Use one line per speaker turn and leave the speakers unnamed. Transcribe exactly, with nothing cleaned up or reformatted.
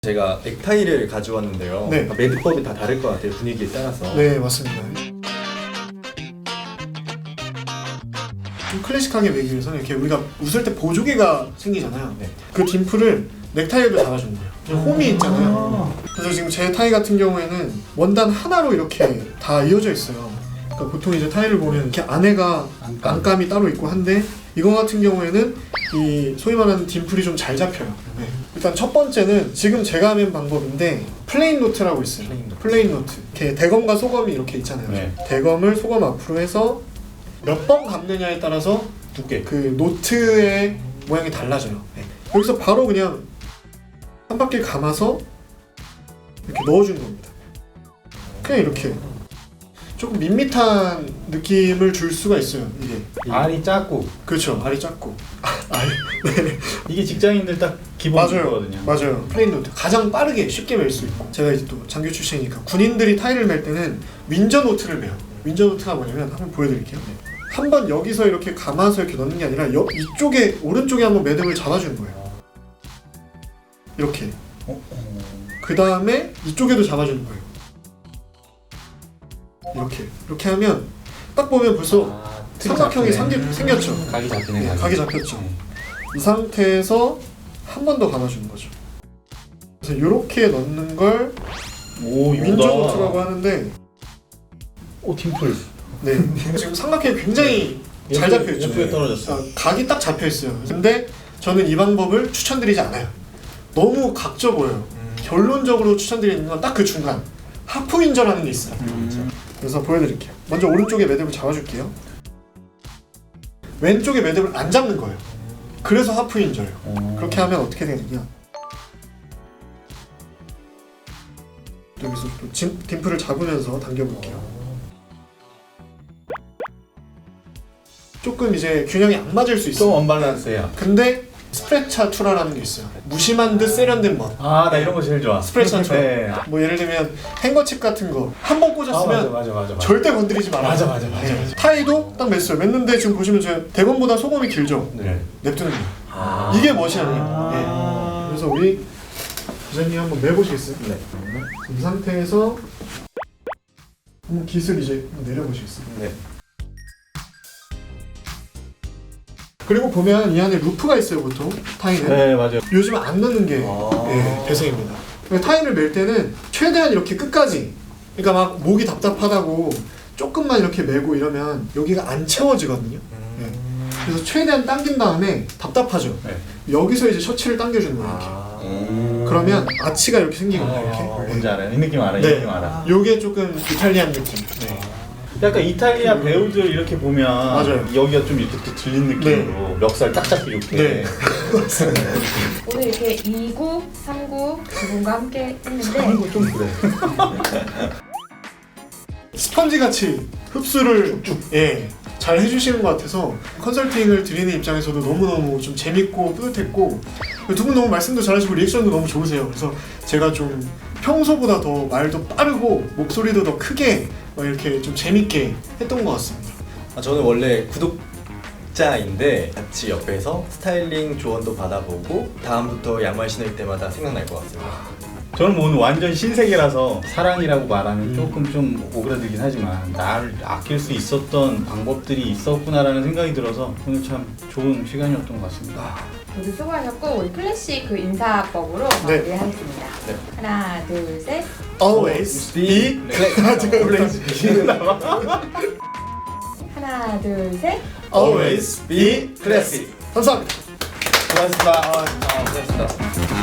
제가 넥타이를 가져왔는데요.
네.
매듭법이 다 다를 것 같아요. 분위기에 따라서.
네, 맞습니다. 좀 클래식하게 매기 위해서는 이렇게 우리가 웃을 때 보조개가 생기잖아요.
네.
그 딤플을 넥타이에도 잡아주는 거예요. 그냥 홈이 있잖아요. 그래서 지금 제 타이 같은 경우에는 원단 하나로 이렇게 다 이어져 있어요. 그러니까 보통 이제 타이를 보면 이렇게 안에가
안감.
안감이 따로 있고 한데 이거 같은 경우에는 이 소위 말하는 딤플이 좀 잘 잡혀요. 네. 일단 첫 번째는 지금 제가 하는 방법인데 플레인 노트라고 있어요.
플레인 노트.
플레인 노트. 이렇게 대검과 소검이 이렇게 있잖아요.
네.
대검을 소검 앞으로 해서 몇 번 감느냐에 따라서
두께.
그 노트의 모양이 달라져요. 네. 여기서 바로 그냥 한 바퀴 감아서 이렇게 넣어주는 겁니다. 그냥 이렇게 조금 밋밋한 느낌을 줄 수가 있어요. 이게
알이 작고
그렇죠. 알이 작고 알. 네.
이게 직장인들 딱 기본
맞아요.
거거든요.
맞아요. 플레인 노트 가장 빠르게 쉽게 멜 수 있고 제가 이제 또 장교 출신이니까 군인들이 타이를 멜 때는 윈저 노트를 매요. 윈저 노트가 뭐냐면 한번 보여드릴게요. 한 번 여기서 이렇게 감아서 이렇게 넣는 게 아니라 여, 이쪽에 오른쪽에 한번 매듭을 잡아주는 거예요. 이렇게.
어? 어.
그 다음에 이쪽에도 잡아주는 거예요. 이렇게 이렇게 하면 딱 보면 벌써
아,
삼각형이
잡히네.
생기, 생겼죠.
각이 잡히네.
네,
각이.
각이 잡혔죠.
네.
이 상태에서 한 번 더 감아주는 거죠. 그래서 이렇게 넣는 걸
오,
윈저 노트라고 하는데
오, 팀플.
네 지금 삼각형이 굉장히 잘
옆에-
잡혀 있죠.
옆에 떨어졌어.
아, 각이 딱 잡혀 있어요. 근데 저는 이 방법을 추천드리지 않아요. 너무 각져 보여요.
음.
결론적으로 추천드리는 건 딱 그 중간 하프 윈저라는 게 있어요.
음.
그래서 보여드릴게요. 먼저 오른쪽에 매듭을 잡아줄게요. 왼쪽에 매듭을 안 잡는 거예요. 그래서 하프 윈저예요.
어.
그렇게 하면 어떻게 되느냐? 여기서 또 짐, 딤플을 잡으면서 당겨볼게요. 조금 이제 균형이 안 맞을 수
좀
있어요.
언밸런스해요.
근데 스프레차투라라는 게 있어요. 무심한 듯 세련된 멋.
아, 나 이런 거 제일 좋아.
스프레차투.
네.
뭐 예를 들면 행거칩 같은 거 한 번
아, 맞아,
꽂았으면
맞아, 맞아. 맞아.
절대 건드리지 말아요.
맞아, 맞아, 맞아, 맞아.
타이도 딱 맸어요. 맸는데 지금 보시면 제가 대검보다 소금이 길죠.
네.
냅두는 거예요.
아.
이게 멋이 아니에요.
아.
네. 그래서 우리 기자님 한번 매보시겠어요?
네.
이 상태에서 한번 깃을 이제 내려보시겠어요?
네.
그리고 보면 이 안에 루프가 있어요, 보통 타이는.
네, 맞아요.
요즘 안 넣는 게
아.
예, 대세입니다. 그러니까 타이를 멜 때는 최대한 이렇게 끝까지, 그러니까 막 목이 답답하다고 조금만 이렇게 메고 이러면 여기가 안 채워지거든요. 예. 그래서 최대한 당긴 다음에 답답하죠.
네.
여기서 이제 셔츠를 당겨주는 거예요. 이렇게.
아.
그러면 아치가 이렇게 생기거든요.
어,
이렇게.
뭔지 알아요. 이 느낌 알아요. 이
네.
느낌 알아.
요게 조금 이탈리안 느낌. 네.
약간 이탈리아 배우들 이렇게 보면
맞아요.
여기가 좀 이렇게 또 들린 느낌으로 멱살 딱 잡히게 이렇게.
네.
오늘 이렇게 이 구, 삼 구 두 분과 함께 했는데
이거 좀 그래.
스펀지 같이 흡수를 예, 잘 해주시는 것 같아서 컨설팅을 드리는 입장에서도 너무너무 좀 재밌고 뿌듯했고 두 분 너무 말씀도 잘하시고 리액션도 너무 좋으세요. 그래서 제가 좀 평소보다 더 말도 빠르고 목소리도 더 크게 막 이렇게 좀 재밌게 했던 것 같습니다.
아, 저는 원래 구독자인데 같이 옆에서 스타일링 조언도 받아보고 다음부터 양말 신을 때마다 생각날 것 같습니다.
저는 뭐 오늘 완전 신세계라서 사랑이라고 말하면 조금 좀 오그라들긴 하지만 나를 아낄 수 있었던 방법들이 있었구나라는 생각이 들어서 오늘 참 좋은 시간이었던 것 같습니다.
모두 수고하셨고 우리 클래식 그 인사법으로
네.
마무리하겠습니다.
네.
하나, 둘, 셋.
Always be
하나, 둘, 셋.
always be
classic.
감사합니다.
고맙습니다. 아, 아, 고맙습니다.